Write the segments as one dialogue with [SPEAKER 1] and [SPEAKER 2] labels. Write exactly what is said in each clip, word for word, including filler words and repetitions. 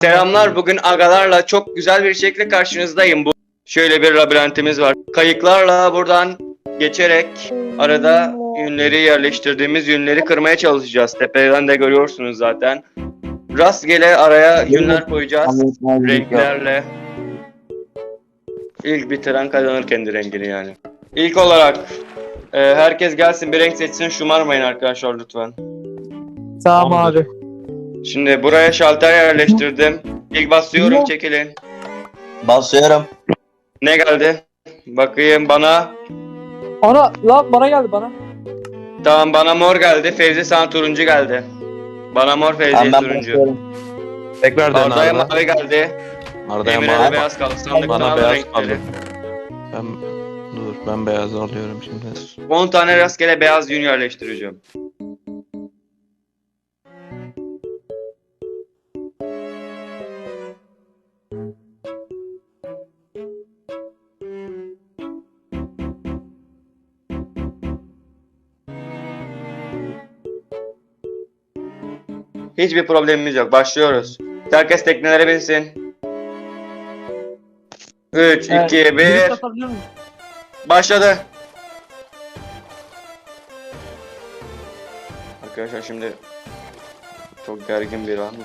[SPEAKER 1] Selamlar, bugün agalarla çok güzel bir şekilde karşınızdayım. Bu şöyle bir labirentimiz var. Kayıklarla buradan geçerek arada yünleri yerleştirdiğimiz yünleri kırmaya çalışacağız. Tepeden de görüyorsunuz zaten. Rastgele araya yünler koyacağız renklerle. İlk bitiren kazanır kendi rengini yani. İlk olarak e, herkes gelsin bir renk seçsin, şımarmayın arkadaşlar lütfen.
[SPEAKER 2] Tamam abi.
[SPEAKER 1] Şimdi buraya şalter yerleştirdim. İlk basıyorum, çekilin.
[SPEAKER 3] Basıyorum.
[SPEAKER 1] Ne geldi? Bakayım bana.
[SPEAKER 2] Ana lan bana geldi bana.
[SPEAKER 1] Tamam, bana mor geldi. Fevzi sana turuncu geldi. Bana mor, Fevzi'ye
[SPEAKER 3] Tamam, ben
[SPEAKER 1] turuncu.
[SPEAKER 3] basıyorum.
[SPEAKER 4] Tekrar dön
[SPEAKER 1] Arda'ya
[SPEAKER 4] Arda.
[SPEAKER 1] mavi geldi.
[SPEAKER 4] Arda'ya
[SPEAKER 1] Emre'ye de
[SPEAKER 4] mavi.
[SPEAKER 1] beyaz kaldı. Sandıktan
[SPEAKER 4] Bana
[SPEAKER 1] al
[SPEAKER 4] beyaz
[SPEAKER 1] renkleri.
[SPEAKER 4] kaldı. Ben dur ben beyaz alıyorum şimdi.
[SPEAKER 1] on tane rastgele beyaz yün yerleştireceğim. Hiçbir problemimiz yok. Başlıyoruz. Herkes teknelere binsin. üç,
[SPEAKER 2] Evet.
[SPEAKER 1] iki, bir.
[SPEAKER 2] Direkt atabiliyor muyum?
[SPEAKER 1] Başladı. Arkadaşlar şimdi çok gergin bir an.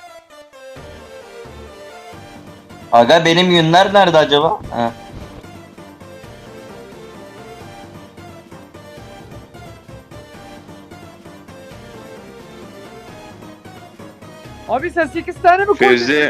[SPEAKER 3] Aga benim yünler nerede acaba? Heh.
[SPEAKER 2] Abi sen sekiz tane mi koydun?
[SPEAKER 1] Fevzi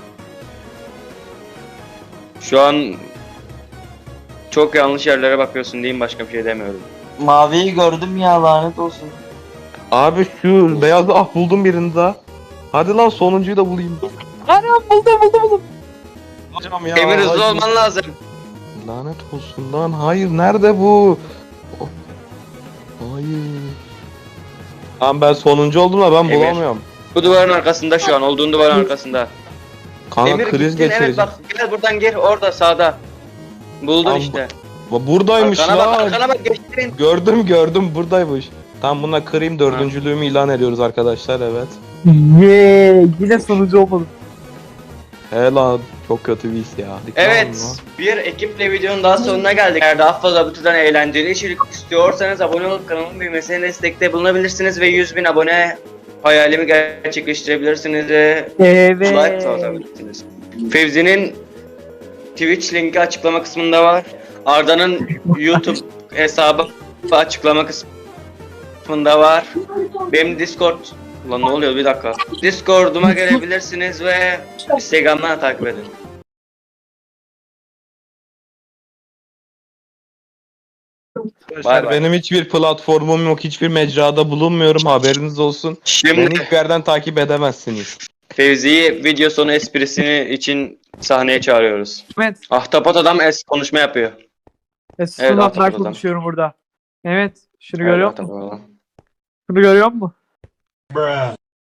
[SPEAKER 1] şu an çok yanlış yerlere bakıyorsun diyeyim, başka bir şey demiyorum.
[SPEAKER 3] Maviyi gördüm ya, lanet olsun.
[SPEAKER 4] Abi şu beyazı ah buldum birini daha. Hadi lan sonuncuyu da bulayım.
[SPEAKER 2] Anam buldum buldum buldum.
[SPEAKER 4] Hocam ya.
[SPEAKER 1] Emir, hızlı
[SPEAKER 4] hayır.
[SPEAKER 1] olman lazım.
[SPEAKER 4] Lanet olsun lan. Hayır nerede bu? Oh. Hayır. Lan ben sonuncu oldum da ben
[SPEAKER 1] Emir.
[SPEAKER 4] bulamıyorum.
[SPEAKER 1] Bu duvarın arkasında, şu an olduğun duvarın arkasında.
[SPEAKER 4] Kanka
[SPEAKER 1] Emir
[SPEAKER 4] kriz
[SPEAKER 1] gittin, evet
[SPEAKER 4] geçireceğim.
[SPEAKER 1] bak, gel buradan gir, orada sağda. Buldun
[SPEAKER 4] Tamam,
[SPEAKER 1] işte.
[SPEAKER 4] Bu- Buradaymış
[SPEAKER 1] Arkana bak,
[SPEAKER 4] lan.
[SPEAKER 1] arkana bak, geçtin.
[SPEAKER 4] Gördüm gördüm buradaymış. Tam buna kırayım, dördüncülüğümü ilan ediyoruz arkadaşlar, evet.
[SPEAKER 2] Yeee yine sonucu olmadı.
[SPEAKER 4] He lan çok kötü bir his ya. Dikkat
[SPEAKER 1] Evet,
[SPEAKER 4] alın lan.
[SPEAKER 1] bir ekiple videonun daha sonuna geldik. Eğer daha fazla bu türden eğlenceli içerik istiyorsanız abone olup kanalın büyümesine destekte bulunabilirsiniz ve yüz bin abone hayalimi gerçekleştirebilirsiniz ve
[SPEAKER 2] Evet.
[SPEAKER 1] like atabilirsiniz. Fevzi'nin Twitch linki açıklama kısmında var. Arda'nın YouTube hesabı açıklama kısmında var. Benim Discord... Ulan ne oluyor, bir dakika. Discord'uma gelebilirsiniz ve Instagram'dan takip edin.
[SPEAKER 4] Arkadaşlar
[SPEAKER 1] Bay bay.
[SPEAKER 4] benim hiçbir platformum yok, hiçbir mecrada bulunmuyorum, haberiniz olsun.
[SPEAKER 1] Şimdi
[SPEAKER 4] Beni hiçbir yerden takip edemezsiniz.
[SPEAKER 1] Fevzi'yi video sonu esprisini için sahneye çağırıyoruz.
[SPEAKER 2] Evet.
[SPEAKER 1] Ahtapot adam es konuşma yapıyor.
[SPEAKER 2] Esus'un
[SPEAKER 1] Evet,
[SPEAKER 2] evet,
[SPEAKER 1] hatırladım.
[SPEAKER 2] konuşuyorum burada. Evet. Şunu
[SPEAKER 1] Evet,
[SPEAKER 2] görüyor musun?
[SPEAKER 1] Ahtapot adam.
[SPEAKER 2] Şunu görüyor musun?